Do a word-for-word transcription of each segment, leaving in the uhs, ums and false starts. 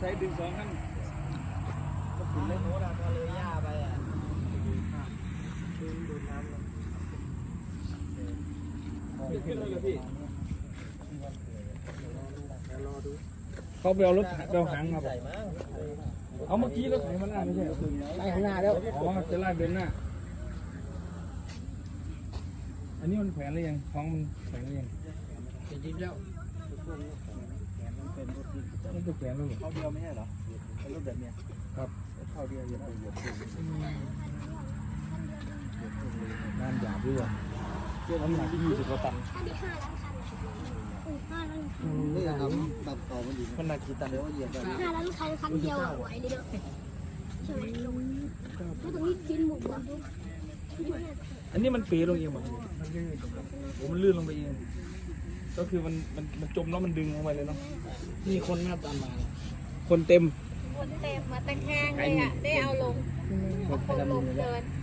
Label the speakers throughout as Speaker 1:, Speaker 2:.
Speaker 1: ใช้ดึงสองขั้น
Speaker 2: ก็ถึงเลยโน้ตก็เลยย่าไปอ่ะดูดูน้ำเลย
Speaker 1: ขึ้นเลยพี่
Speaker 2: รอดู
Speaker 1: เขาไปเอารถไปเอาหางมาใส่มาเอาเมื่อกี้รถไถมาหน้าไม่ใช่
Speaker 2: ไปข้างหน้าแล้ว
Speaker 1: อ๋อจะลากเดินหน้าอันนี้มันแขวนหรือยังท้องมันแขวนหรือยัง
Speaker 2: จริงๆแล้ว
Speaker 1: มันจะแขวนหรือเปล่า
Speaker 2: เขาเดียวไม่ใช่เหรอเป็นรูปแบบเนี้ย
Speaker 1: ครับ
Speaker 2: เขาเดียวเหยียบเหยียบ
Speaker 1: งานหยาบด้วยน้ำหนักที่ยี่สิบกว่าตัน
Speaker 2: นี่ครับตับต่อมันอยู่มันหนักกี่ตันเดี๋ยวเหยียบกัน
Speaker 3: ห้าล้านคันคันเดียวไหวเลยเด้อใช่ไหมไม่ต้องรีบกินหมูบดด้วย
Speaker 1: อันนี้มันเป๋ลงเองมั้งโอ้มันลื่นลงไปเองก็คือมันมันมันจมแล้วมันดึงลงไปเลยเนาะนี่คนหน้าตามมาคนเต็ม
Speaker 3: คนเต็มมาตะแคงเลยอ่ะได้เอาลงเอาคนลงเดิน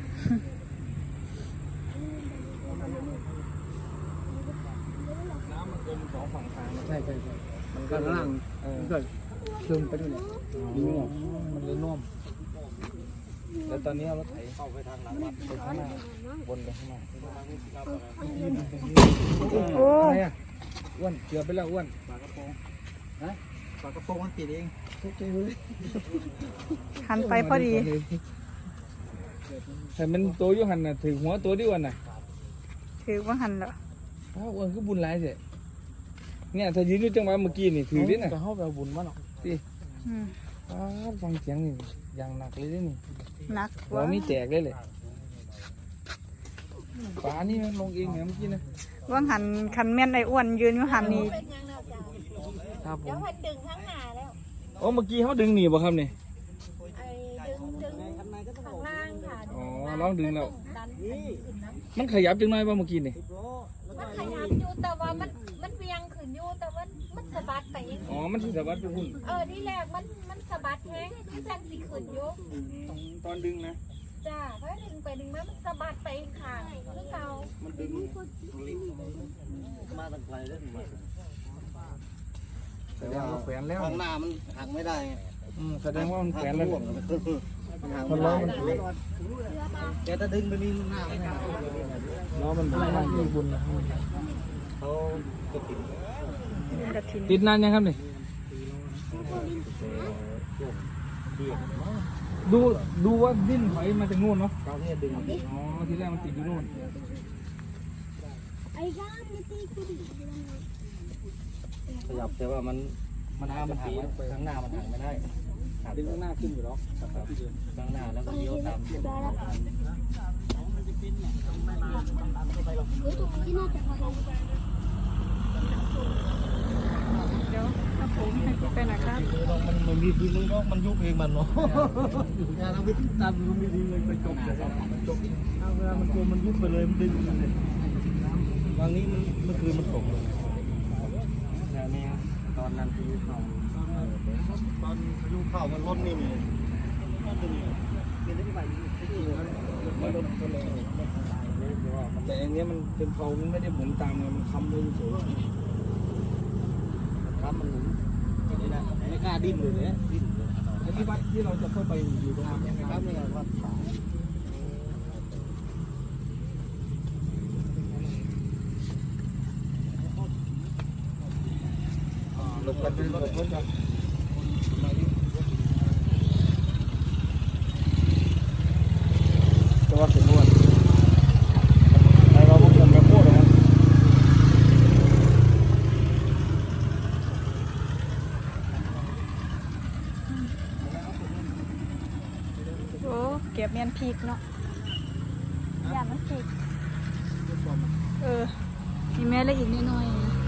Speaker 1: น้ำมันจมสองฝั่งทาง
Speaker 2: ใช่ใช่ใช่มันก็ล่างมันก็ซึมไปด้วยเนี่ย
Speaker 1: มันเลยน่วมแล้วตอนนี้เอารถไถเข้าไปทางหลังวัดไปข้างหน้าวนไปข้างหน้าโอ้ยอ้วนเกือบไปแล้วอ้วนปากกระโปรง
Speaker 2: ฮะปากกระโปรงมันติดเองทุกทีเลย
Speaker 4: หันไปพอดี
Speaker 1: แต่มันตัวยุหันน่ะถือหัวตัวดิวันน่ะ
Speaker 4: ถือว่าหันเหรอ
Speaker 1: อ้าวอ้วนก็บุญหลายเสียเนี่ยถ้ายืนอยู่จังหวะเมื่อกี้นี่ถือดิน่ะ
Speaker 2: จะเข้าไปเอาบุญมาหรอก
Speaker 1: สิอ้าวฟังเสียงนี่อย่างหนักเลยนี่
Speaker 4: หนัก
Speaker 1: เราไม่แจกเลยเลยฝานี่มันลงเองเหรอเมื่อกี้นะ
Speaker 4: ว่าหันคันแม่นไอ้อ้วนยืนอยู่หันนี่
Speaker 1: ครับผม
Speaker 3: เดี๋ยวให้ดึงข้างหน้าแล้ว
Speaker 1: โอ้เมื่อกี้เขาดึงหนีบ่ครับเนี่ย
Speaker 3: ไอ้ดึงดึงข้างล่างค่ะ
Speaker 1: อ๋อลองดึงแล้วมันขยับจังหน่อยป่ะเมื่อกี้นี่
Speaker 3: มันขยับอยู่แต่ว่ามันมันเวียงขึ้นอยู่แต่ว่ามันสะบัดไปเอง
Speaker 1: อ๋อมันสะบัดไปพุ่น
Speaker 3: เออที่แรกมันมันสะบัดแห้งที่จังสิขึ้นอยู่
Speaker 1: ตอนดึงนะ
Speaker 3: จ้าเพราะดึงไปดึงมามันสะบัดไปข้างคือเก่า
Speaker 1: มันดึง
Speaker 2: มาตั้งไกลเลย
Speaker 1: แต่ว่ามันแขวนแล้ว
Speaker 2: ข้างหน้ามันหักไม่ได้
Speaker 1: อืมแสดงว่ามันแขวนแล้ว
Speaker 2: มันล้อมันแกจะดึงไปนี่หน้าไม่ได้
Speaker 1: ล้อมันบุญมากยิ่งบุญนะ
Speaker 2: เขา
Speaker 1: ติดติดนานยังครับนี่ดูดูว่าดิ้นถอยมาจากนู่นเนาะ
Speaker 2: เขาเนี่ยดึง
Speaker 1: อ๋อที่แรกมันติดอยู่นู่น
Speaker 2: ขยับแต่ว่ามันมันหน้ามันหักข้างหน้ามันหักไม่ได้
Speaker 1: ดึงข้างหน้าขึ้นอยู่แล้ว
Speaker 2: ข้างหน้าแล้วก็เลี้ยวตาม
Speaker 3: เดี๋ยวตรงที่น่าจะพอ
Speaker 4: เดี๋ยวถ้าผมให้ไปหน่อยครับ
Speaker 2: มันมันมีทีนึงเนาะมันยุบเองมันเนาะงานเราไปตามมันมีทีเลยไปจบเลยจบเวลามันโกงมันยุบไปเลยมันดึงเลยวันนี้มันเมื่อคืนมันตกเลยแต่นี่ตอนนั้นพายุเข้าตอนพายุเข้ามันล้นนี่มี
Speaker 1: แต่อันนี้มันเป็นเพลามันไม่ได้หมุนตามไงมันค้ำเลยสูง
Speaker 2: ครับมันหมุนนี่นะไม่กล้าดิ้นเลยเนี่ยดิ้น
Speaker 1: ไอ้ที่วัดที่เราจะเข้าไปอยู่ตรงนั้น
Speaker 2: ยังไงครับนี่ไงวัดป่า
Speaker 1: หลบกันหลบกันจะว่าเป็นนวดไอ้เราพวกผมแบบโคตรนะ
Speaker 4: โอ้เก็บเมียนพีกเนาะอย่ามันพีกเออมีแม่ละอีกน้อยๆนะ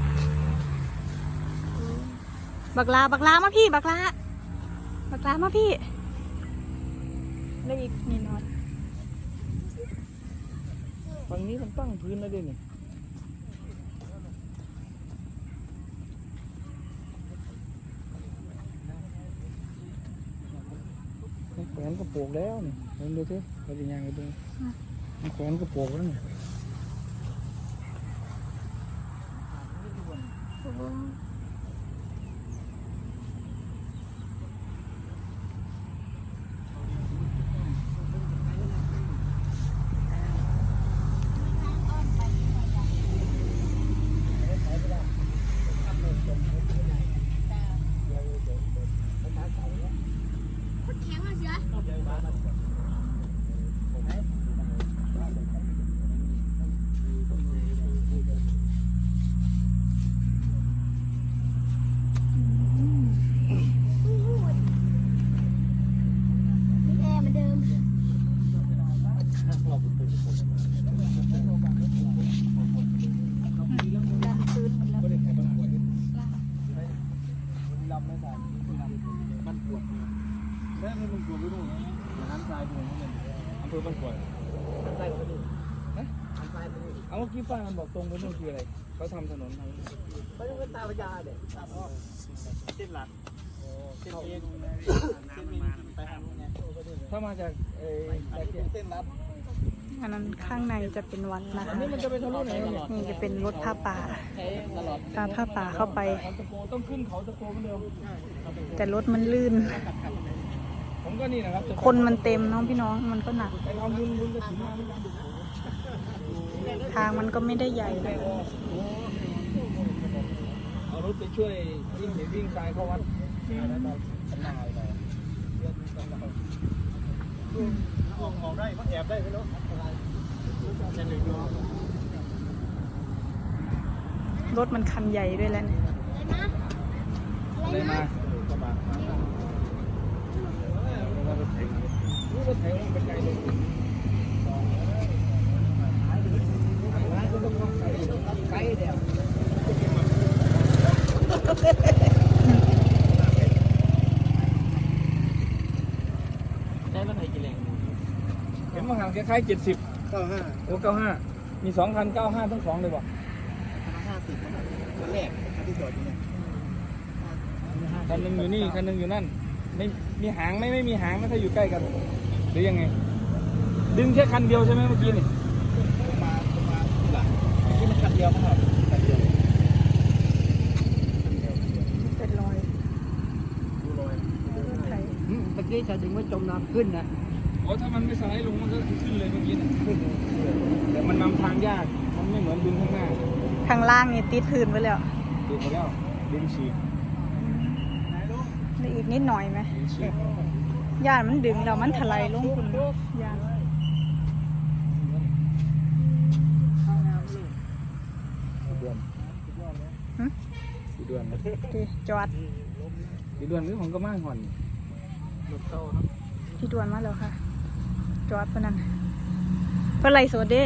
Speaker 4: บักลาบักลามาพี่บักลาบักลามาพี่แล้วอีกนิดหน่อย
Speaker 1: ฝั่งนี้มันตั้งพื้นแล้วด้วยนี่แขวนกระโปรงแล้วนี่เห็นดูสิเราจะยังไงดูแขวนกระโปรงแล้วนี่
Speaker 3: มีแอร์เหมือนเดิม
Speaker 4: ดันพื้นหมดแล้ว
Speaker 1: ก็ได้แข่งบ้านปวดนี่ลำไม่ใส่บ้านปวดได้ไม่ต้องกลัวไม่รู้น้ำทรายดูนี่มันอำเภอบ้านปวดน้ำทรายก็ไม่รู้นะเอาเมื่อกี้ป้ามันบอกตรงไปนู่นคืออะไรเขาทำถนนทางไม่ต้องเป็นตาพญาเด็กเส้นหลักเส้นเอ็นเส้นมีไปทางนู้นไงถ้ามาจากเอ่อเส้นลัด
Speaker 4: อันนั้นข้างในจะเป็นวัดนะ
Speaker 1: อัน
Speaker 4: คะ
Speaker 1: นี้มันจะไปทะลุไหน
Speaker 4: นี่จะเป็นรถผ้าป่า
Speaker 1: ตลอด
Speaker 4: พาผ้าป่าเข้าไป
Speaker 1: เขาตะโกต้องขึ้นเขาตะโกเหมือนเดิม
Speaker 4: แต่รถมันลื่น
Speaker 1: ผมก็นี่นะครับ
Speaker 4: คนมันเต็มน้องพี่น้องมันก็หนัก
Speaker 1: ไปทำบุญบุญกระถิ่นมา
Speaker 4: ทางมันก็ไม่ได้ใหญ่นะ
Speaker 1: เอารถไปช่วยวิ่งเห็นวิ่งทรายเข้าวัดนายไป
Speaker 2: ออกออกได้ก็แอบได้ไม่รู้
Speaker 4: รถมันคันใหญ่ด้วยแล้วเนี่ย
Speaker 3: อะไรนะ
Speaker 1: อะไรมากระบะมารถไถรู้รถไถมันเป็นไงเลยไกลเดียวใช้รถไถกี่แรงเห็นว่าห่างคล้ายๆเจ็ดสิบ
Speaker 2: เก้าห้า
Speaker 1: โอ้เก้าห้ามีสองคันเก้าห้าทั้งสองเลยบ่
Speaker 2: ห้าสิบคนแรกที่จอดอยู่เนี่ย
Speaker 1: คันหนึ่งอยู่นี่คันหนึ่งอยู่นั่นไม่มีหางไหม่ไม่มีหางไม่ถ้าอยู่ใกล้กันหรือยังไง ดึงแค่คันเดียวใช่ไหมเมื่อกี้นี่
Speaker 2: มามาที่หลังที่มันคันเดียวมั้งครับคันเดียว
Speaker 4: เป็นรอย
Speaker 2: ดูรอย
Speaker 4: รถไถ
Speaker 2: เมื่อกี้ชายดึงว่าจมน้ำขึ้นนะ
Speaker 1: โอ้ถ้ามันไม่สไลด์ลงมันก็ขึ้นเลยเมื่อกี้นะแต่มันนำทางยากมันไม่เหมือนดึงข้างหน้า
Speaker 4: ข้างล่างนี่ติดพื้นไปแล้ว
Speaker 1: ดึงไปแล้วดึงฉีก
Speaker 4: ได้อีกนิดหน่อยไหม
Speaker 1: ดึงฉีก
Speaker 4: ย่านมันดึงแล้วมันถลายลงคุณย่าน
Speaker 1: เดือน
Speaker 4: หึ
Speaker 1: สี่เดือนนะ
Speaker 4: ดีจอด
Speaker 1: สี่เดือนนี้ผมก็มาห่อนรถเข้าครับ
Speaker 4: พี่ดวนมาแล้วค่ะ จอดปะนั่นเพื่อไรสดเด้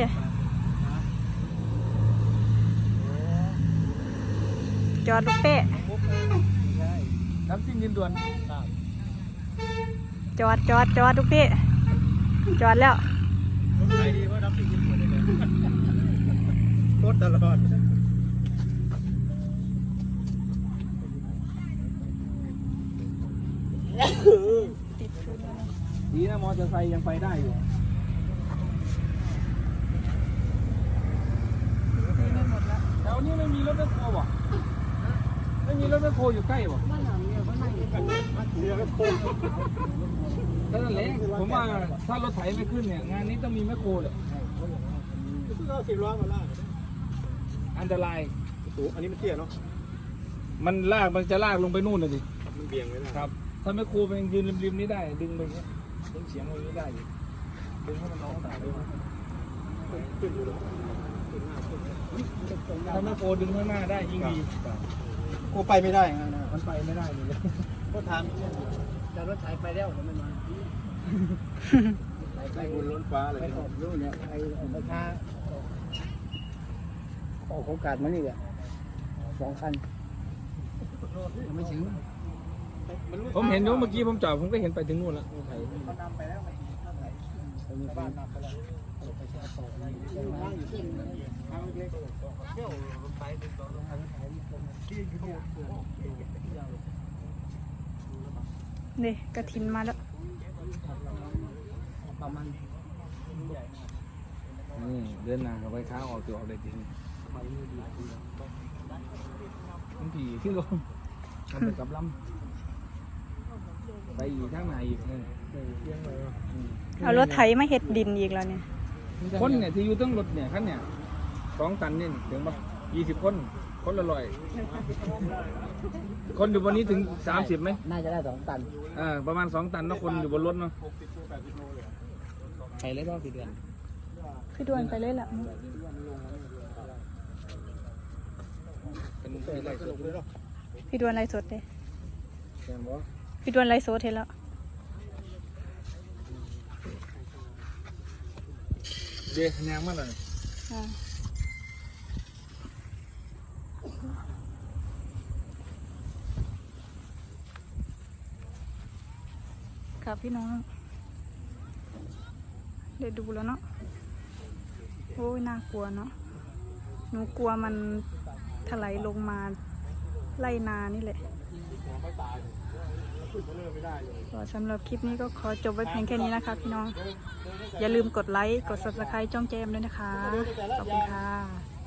Speaker 4: จอดลูกเป๊ะ
Speaker 1: น้ำซิ่งดินด่วน
Speaker 4: จอดจอดจอดลูกเป๊ะจอดแล้ว
Speaker 2: รถไฟดีเพราะรับสิ่งที่ควรได้เลยรถตลอด
Speaker 4: ติดพื้นแล้ว
Speaker 1: ดีนะมอเตอร์ไซค์ยังไปได้อยู่
Speaker 4: นี่ไม่หมดแล้ว
Speaker 1: แถวนี้ไม่มีรถแมคโครบ่ไม่มีรถแมคโครอยู่ใกล้บ่
Speaker 2: เรือก็โค้ง
Speaker 1: ก็นั่นแหละผมว่าถ้ารถไถไม่ขึ้นเนี่ยงานนี้ต้องมีแมคโครเลย
Speaker 2: ซึ่งเราสิบล้อมาล่า
Speaker 1: อันตราย
Speaker 2: สูงอันนี้มันเตี้ยเนาะ
Speaker 1: มันลากมันจะลากลงไปนู่นเลยดิ
Speaker 2: มันเบี่ยงไว้นะครับ
Speaker 1: ถ้าแมคโครมันยืนริมๆนี้ได้ดึงไปอย่างเงี้ยดึงเฉียงไปอย่างนี้ได้อยู่ดึงให้มันน้องตายด้วย
Speaker 2: ขึ้นอยู่เลย
Speaker 1: ถ้าแมคโครดึงข้างหน้าได้ยิ่งดี
Speaker 2: โอ้ไปไม่ได้นะ
Speaker 1: มันไปไม่ได้เลย
Speaker 2: ก็ทำแต่รถไถไปแล้วผมไม่มาไปบุญล้นฟ้าเลยไปออกนู่นเนี่ยไอ้ราคาออกโอกาสมานี่แหละสองคันยังไม่ถึง
Speaker 1: ผมเห็นอยู่เมื่อกี้ผมจอดผมก็เห็นไปถึงนู่นแล้วรถไถ
Speaker 2: เขานำไปแล้วไปบ้านนำไปแล้วไปแช่ต่อไปอยู่ที่ทางเล็กเที่ยวรถไฟดึงต่อรถไฟที่อยู่เนี่ย
Speaker 4: นี่กระถินมาแล้ว
Speaker 2: ประมาณ
Speaker 1: นี่เดินหน้าเข้าไปค้าออกตัวออกได้จริงบางทีที่ลงทำไปกับลำไปอีกข้างในอีกเออ
Speaker 4: เอารถไถมาเฮ็ดดินอีกแล้วเนี่ย
Speaker 1: คนเนี่ยที่อยู่ตั้งรถเนี่ยคันเนี่ยสองตันนี่ถึงปะยี่สิบคนคนละร้อยคนอยู่บนนี้ถึงสามสิบไหม
Speaker 2: น่าจะได้สองตัน
Speaker 1: อ่าประมาณสองตันเนาะคนอยู่บนรถเนาะ
Speaker 2: ไปเลยรอบสี่เดือน
Speaker 4: พี่ดวนไปเลยแหละ
Speaker 1: เป็นเป็นไรสุดเลยเนาะ
Speaker 4: พี่ดวนไรสดเลย
Speaker 1: แม่นบ่
Speaker 4: พี่ดวนไรสดเห็นแล้ว
Speaker 1: เดี๋ยวแนงมันเลย
Speaker 4: อ่าครับพี่น้องเดี๋ยวดูแล้วเนาะโอ้ยน่ากลัวเนาะหนูกลัวมันถลายลงมาไล่นานี่แหละก็สำหรับคลิปนี้ก็ขอจบไว้เพียงแค่นี้นะคะพี่น้อง อย่าลืมกดไลค์ กด ซับสไครบ์ จ้องแจมด้วยนะคะ ขอบคุณค่ะ